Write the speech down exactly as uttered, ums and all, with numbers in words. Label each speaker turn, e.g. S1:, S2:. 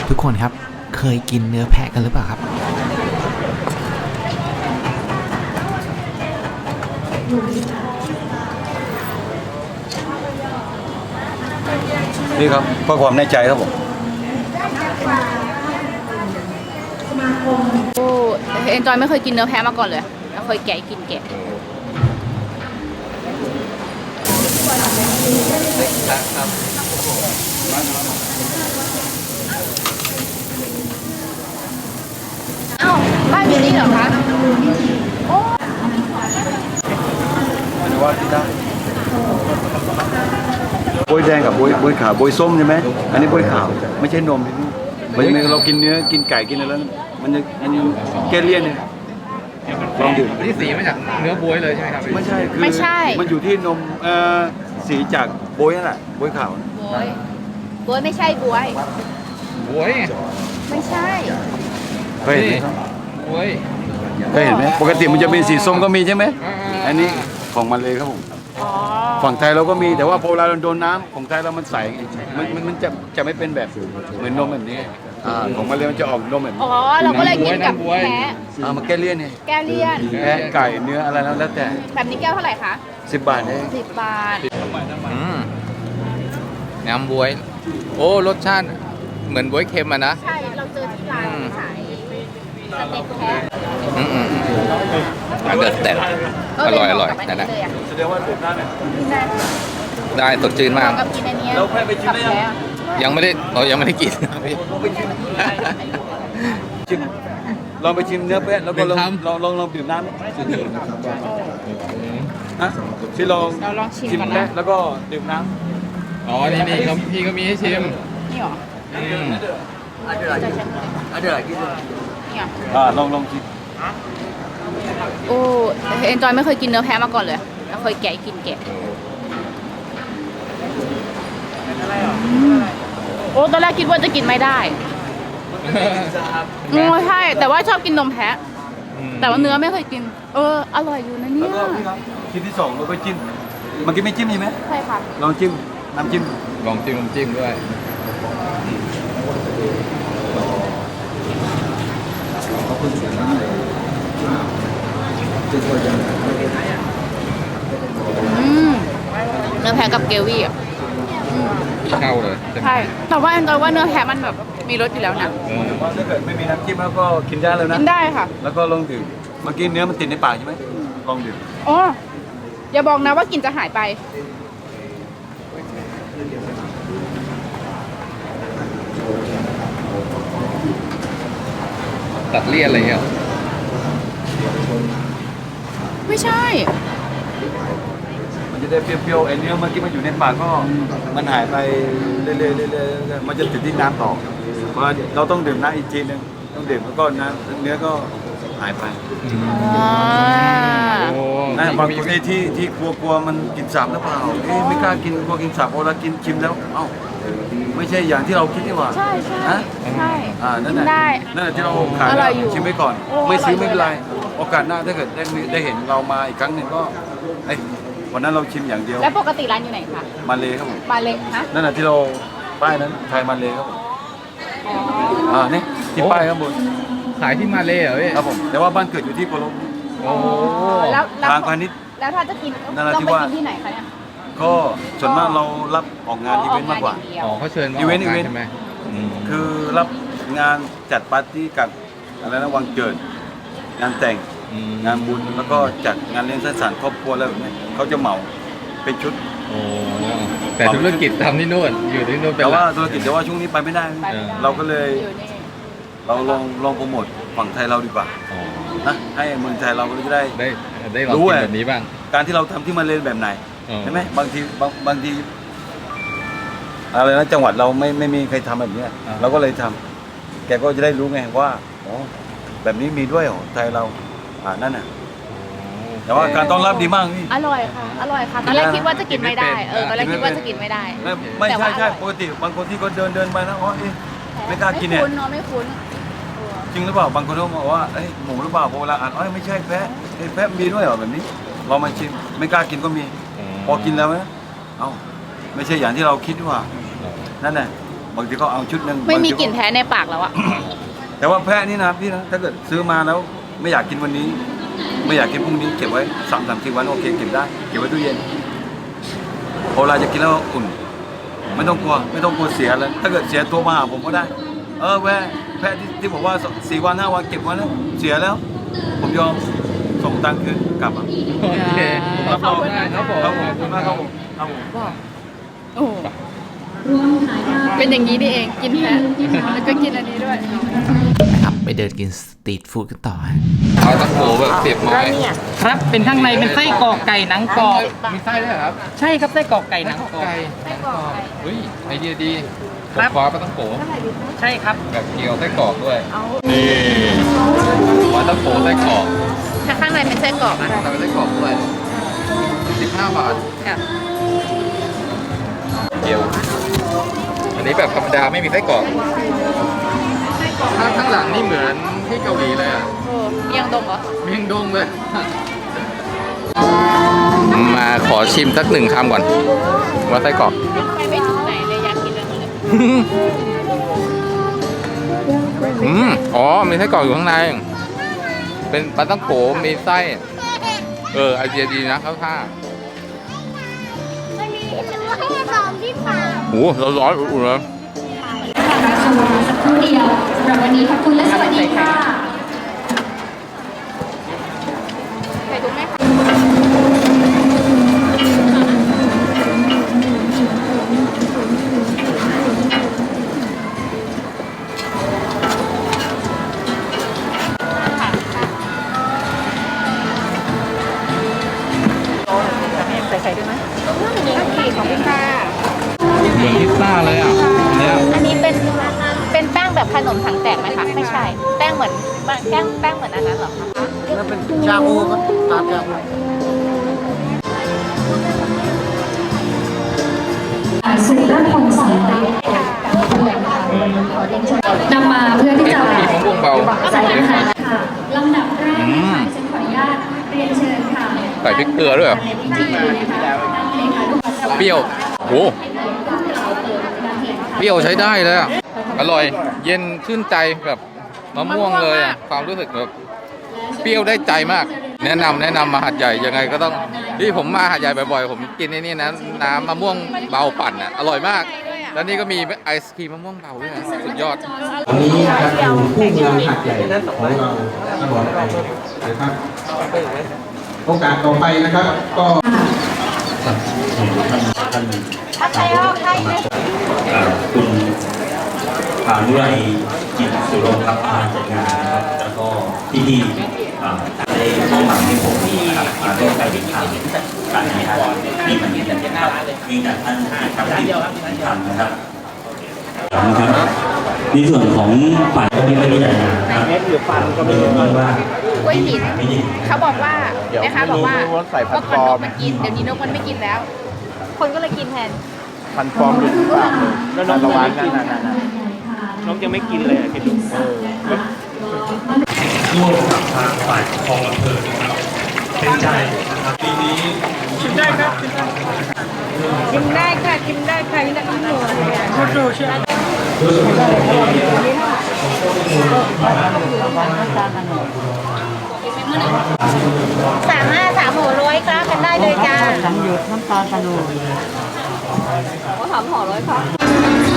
S1: ทุกคนครับเคยกินเนื้อแพะกันหรือเปล่าครับ
S2: นี่ครับเพื่อความแน่ใจครับผม
S3: โอ้เอ็นจอยไม่เคยกินเนื้อแพะมาก่อนเลยเราเคยแกะกินแกะอ้าวบ้านอยู่นี่เหรอคะโอ้
S2: ไม่ว่าที่ได้โบยแดงกับโบยโบยขาวโบยส้มใช่ไหมอันนี้โบยขาวไม่ใช่นมที่นี่มันจะมีเรากินเนื้อกินไก่กินอะไรแล้วมันจะมันจะแก้เลี่ยนเนี่ยลองดื่ม
S4: นี่สีมาจากเนื้อบ๊วยเลยใช่ไหมครับ
S2: ไม่ใช่คือ
S3: ไม่ใช่
S2: มันอยู่ที่นมเอ่อสีจากโบยนั่นแหละโบยขาว
S3: บวยบวยไม่ใช่บวย
S4: บ๊วย
S3: ไม่ใช่
S2: เคยเห็นไหม
S4: บ๊วย
S2: เคยเห็นไหมปกติมันจะเป็นสีส้มก็มีใช่ไหม
S4: อ่า
S2: อันนี้ของมันเลยครับผม
S3: อ๋อ
S2: ฝั่งไทยเราก็มีแต่ว่าพอเวลาเราโดนน้ำของไทยเรามันใสมันมันมันจะจะไม่เป็นแบบเหมือนนมแบบนี้อ่าของมันเลยมันจะออกนมแบบนี้
S3: อ๋อเราก็เลยกินกับแพะ
S2: อ่ามาแก้เลี่ยนไง
S3: แก้เลี่ยน
S2: แพะไก่เนื้ออะไรแล้วแล้วแต่
S3: แบบนี้แก้วเท่าไหร่คะ
S2: สิบบาทเอง
S3: สิบบาท
S4: อืมน้ำบ๊วย โอ้รสชาติเหมือนบ๊วยเค็มอ่ะนะ
S3: ใช่ เราเจอที่ร้านขายสเต็กแพะ
S4: อืมอืมอืมอันเดอร์สแตนอร่อยอร่อยแต่นะ
S2: แสดงว่าดื่มได้เนี่ย
S4: ได้สดชื่นมาก
S3: กับกินอันนี้
S2: เราแค่ไปชิมได้ยัง
S4: ยังไม่ได้เรายังไม่ได้กิน
S2: ชิมลองไปชิมเนื้อแพะแล้วก็ลอง
S4: หนึ่งคำ
S2: ลองลองลองดื่มน้ำฮะพี่ลอง
S3: เราลองชิม
S2: ชิม
S3: ก่อน
S2: แพะ
S3: นะ
S2: แล้วก็ดื่มน้
S4: อ๋อ นี่นี่เขาพี่ก็มีให้ชิม
S3: นี่หรอ
S4: อืม
S3: จะใช้นี่หรอ
S2: ำอ่าลองลองชิม
S3: โอ้เอ็นจอยไม่เคยกินเนื้อแพะมาก่อนเลยเราเคยแกะกินแกะโอ้ตอนแรกคิดว่าจะกินไม่ได้โอ้ใช่แต่ว่าชอบกินนมแพะ แต่ว่าเนื้อไม่เคยกิน เอออร่อยอยู่นะเนี่
S2: แล้ว
S3: ย
S2: ก็พี่ครับชิ้นที่สองเราก็จิ้มเมื่อกี้ไม่จิ้มใช่ไหม
S3: ใช่ค่ะ
S2: ลองจิ้มน้ำจิ้ม
S4: ลองจิ้มน้ำจิ้มด้วย
S3: อืมเนื้อแพะกับเกวี่อ่ะ
S4: เข้าเลยใช่ไหม
S3: ใช่แต่ว่าแอนจอยว่าเนื้อแพะมันแบบมีรสอยู่แล้วนะ
S4: เออ
S2: ว่าถ้าเกิดไม่มีน้ำจิ้มแล้วก็กินได้แล้วนะ
S3: กินได้ค่ะ
S2: แล้วก็ลองดื่มเมื่อกี้เนื้อมันติดในปากใช่ไหมลองดื่ม
S3: อ๋ออย่าบอกนะว่ากลิ่นจะหายไป
S4: ตัดเลี่ยนอะไรเงี้ย
S3: ไม่ใช่
S2: มันจะได้เปรี้ยวๆไอ้เนื้อเมื่อกี้มันอยู่ในปากก็มันหายไปเรื่อยๆเรื่อยๆเรื่อยๆมันจะติดที่น้ำต่อเพราะเราต้องดื่มน้ำอีกทีนึงต้องดื่มแล้วก็น้ำเนื้อก็หายไป
S3: อ่า
S4: โอ้
S2: นะบาง
S4: มี
S2: คนที่ที่ที่กลัวกลัวมันกินสาบหรือเปล่าเอ๊ะไม่กล้ากินกลัวกินสาบพอเรากินชิมแล้วเอ้าไม่ใช่อย่างที่เราคิดนี่หว่า
S3: ใช่ใช่
S2: ฮะ
S3: ใช่
S2: อ่านั่น
S3: กิ
S2: แห
S3: น
S2: ละ
S3: ได้
S2: นั่นแหละที่เราขาย
S3: อร่อยอยู่
S2: ชิมไว้ก่อน
S3: โอ้
S2: ไม่ซื้อ
S3: อร่อย
S2: ไม่เป็นไร
S3: เลย
S2: โอกาสหน้าถ้าเกิดได้มีได้เห็นเรามาอีกครั้งหนึ่งก็เอ้ยวันนั้นเราชิมอย่างเดียว
S3: แล้วปกติร้านอยู่ไหนคะ
S2: มาเลยครับผม
S3: บาเล็กฮะ
S2: นั่นแหละที่เราป้ายนั้นไทยมาเลยครับผม
S3: อ๋อ
S2: อ่านี่ที่ป้ายข้างบน
S4: ขายที่มาเลยเหรอพี่
S2: ครับผมแต่ว่าบ้านเกิดอยู่ที่โคโล
S4: โอ้
S3: แล้วแล้ว
S2: ทางพาณิชย์
S3: แล้วถ้าจะกิน
S2: นรา
S3: ต้อง
S2: ธิ
S3: ไป
S2: วาส
S3: กินที่ไหนคะเนี่ย
S2: ก็ส่วนมากเรารับออกงานอีเวนต์มากกว่า
S3: อ๋อออกงนอย่งเดียว
S4: อ๋อเขาเชิญมา
S2: อีเวนต์
S4: กงา
S2: อีเวนต์
S4: ใช่ไหมอืม
S2: คือรับงานจัดปาร์ตี้กับอะไรนะวันเกิด งานแต่ง
S4: ม
S2: งานบุญแล้วก็จัดงานเลี้ยงสังสรรค์ครอบครัวอะไรแบบนี้เขาจะเหมาเป็นชุด
S4: โอ้แต่ธุรกิจทำที่นู่นอยู่ที่นู่นเป็น
S2: แต่
S4: หลั
S2: ว่าก ธุรกิจแต่ว่าช่วงนี้ไปไม่ได้
S3: ไปไม่ได้
S2: เราก็เลย
S3: อยู่นี่
S2: เราลองลองโปรโมทฝั่งไทยเราดีกว่า
S4: อ๋อ
S2: นะให้เมืองไทยเราก็จะได้
S4: ได้ได้ลอง
S2: รู้
S4: กิน
S2: อะ
S4: แบบนี้บ้าง
S2: การที่เราทำที่มาเลนแบบไหน
S4: อ๋อ
S2: ใช่ไหมบางทีบางบางทีอะไรนะจังหวัดเราไม่ไม่มีใครทำแบบเนี้ยเราก็เลยทำแกก็จะได้รู้ไงว่าอ๋อแบบนี้มีด้วยเหรอไทยเราอ่านั่นน่ะแต่ว่าการต้อนรับดีมากพี่
S3: อร่อยค่ะ อร่อยค่ะ ตอนแรกคิดว่าจะกินไม่ได้ เออ ตอนแรกคิดว่าจะกินไม่ได้
S2: ไม่ไม่
S3: แต่
S2: ใช่
S3: ว่า
S2: ใช่
S3: อร่อย
S2: ปกติบางคนที่เขาเดินเดินไปนะอ๋อเอ๊ะไม่กล้ากิน
S3: ไม่
S2: เนี่ย
S3: คุ้นเนาะไม่คุ้น
S2: จริงหรือเปล่าบางคนเขาบอกว่าเอ้ยหมูหรือเปล่าพอเวลาอ่านอ๋อไม่ใช่แพะเอ้ยแพะมีด้วยเหรอแบบนี้เรามาชิมไม่กล้ากินก็มี พอกินแล้วนะเอ้าไม่ใช่อย่างที่เราคิดว่านั่นแหละบางทีก็เอาชุดหนึ่ง
S3: ไม่มี
S2: บางที
S3: กลิ่นแพ้ในปากแล้วอะ
S2: แต่ว่าแพะนี่นะพี่นะถ้าเกิดซื้อมาแล้วไม่อยากกินวันนี้ ไม่อยากกินพรุ่งนี้เก็บไว้สามสามสี่วันโอเคเก็บได้เก็บไว้ตู้เย็นพอเวลาจะกินแล้วอุ่น ไม่ต้องกลัวไม่ต้องกลัวเสียเลยถ้าเกิดเสียตัวมาหาผมก็ได้ เออแพะแพะที่ที่บอกว่าสี่วันห้าวันเก็บไว้แล้วเสียแล้ว ผมยอมส่งตังค์คืนกลับอ่ะ
S4: โอเครับรองได้ครับผม
S2: ครับผมขอบคุณมากครับผมครับผม
S3: โอ้เป็นอย่างนี้นี่เองกินแพ้แล้วก็กินอันนี้ด้วย
S1: นะครับไปเดินกินสตรีทฟู้ดกันต่อฮะ
S4: เอาตะโขแบบเสียบไม้
S5: ครับ เป็นข้างในเป็นไส้กรอกไก่หนังกรอบ
S4: มีไส้ด้วยเหรอครับ
S5: ใช่ครับไส้กรอกไก่หนังกรอบ
S4: ไก่ไส้กรอกเฮ้ยไอเดียดี
S5: ครั
S4: ผม
S5: บ
S4: คว้าปลาต้องโข
S5: ใช่ครับ
S4: แบบเกี๊ยวไส้กรอกด้วยนี่ปลาต้องโขไส้กรอก
S3: ถ้าข้างในเป็นไส้กรอกอะ
S4: ทำเป็นไส้กรอกด้วยสิบห้าบาท
S3: ค่ะ
S4: เกี๊ยวอันนี้แบบธรรมดาไม่มีไส้กรอกข้างข้างหลังนี่เหมือนที่เกาหลีเลยอ่ะ
S3: โอ้เมียงดงเหรอ
S4: เมียงดงเลย มาขอชิมสักหนึ่งคำก่อน ว่าไส้กรอก
S3: ไปไม่ถึงไหนเลยอยากกินเลย
S4: อืมอ๋อ มีไส้กรอกอยู่ข้างใน เป็นปลาต้องโขมีไส้ เออ ไอเดียดีนะเข้าท่า
S6: มันมีให้สองที่ปาก
S4: โอ้โหร้อนๆอุ่นๆเลย
S6: สักครู่เดียวสำหรับวันนี้ขอบคุณและสวัสดีค่ะ
S3: ใส่ถุงไหมใส่ไข่ด้วยไหมของพี่ค่ะ
S4: เหมือนพิซซ่าเลยอ่ะเนี่ย
S3: อันนี้เป็นเป็นแป้งแบบขนมถังแตกไหมคะ ไม่ใช่ แป้งเหมือนแป้งแป้งเหมือนอันนั้นเหรอคะ
S7: แล้วเป็นชาบูครับตามชาบู
S6: สุรพลสอนนำมาเพื่อที่จะ
S4: มีมะม่วงเบา
S6: ใส่อาหารค่ะลำดับแรกนะคะฉันขออนุญาตเรียนเชิญค่ะ
S4: ใส่พริกเกลือด้วยเหรอ
S6: ในพิธีนะคะท่านเลขานุการ
S4: เปรี้ยวโอ้เปรี้ยวใช้ได้เลยอ่ะ อร่อย เย็นชื่นใจแบบมะม่วงเลยอ่ะ ความรู้สึกแบบเปรี้ยวได้ใจมาก แนะนำแนะนำมาหัดใหญ่ยังไงก็ต้องที่ผมมาหัดใหญ่บ่อยๆ ผมกินไอ้นี่นะน้ำมะม่วงเบาปั่นอ่ะ อร่อยมาก แล้วนี่ก็มีไอศครีมมะม่วงเบาด้วยนะสุดยอด
S8: วันนี้นะครับอยู่คู่เมืองหัดใหญ่ของเราที่บอกไปนะครับโอกาสต่อไปนะครับก็
S9: คุณพานุไรจิตสุรครับมาจัดงานนะครับแล้วก็ที่ที่ได้มอบหมายให้ผมนะครับมาร่วมการติดตามการแข่งขันนี่มันเป็นนะครับมีแต่ท่านครับที่ทำนะครับนะครับในส่วนของฝ่ายที่ไม่ได้จัดงานนะครับก็ไม่รู้ว่าก
S3: ล้วยหินเขาบอกว่านะคะบอกว่าเมื่อก่อนนกมันกิน เดี๋ยวนี้นกมันไม่กินแล้ว คนก็เลยกินแทน
S7: พันฟอร์มหรือเปล่าแล้วน้องระวังนั่นนั่นนั่นน้องยังไม่กินเลยอ่ะคิดดูเออ
S9: ร่วมกับทางฝ่ายปกครองอำเภอนะครับเป็นใจนะครับปีนี้
S5: ชิมได้ครับชิมได้ค่ะชิมได้ค่ะนี่นะคุณหนูโคตรเชื่อ
S6: สามห้าสามหัวร้อยครับกันได้เลยจ้า
S5: สังหยดน้ำตาลตะโน
S3: ก็ถามห่อร้อยค่ะ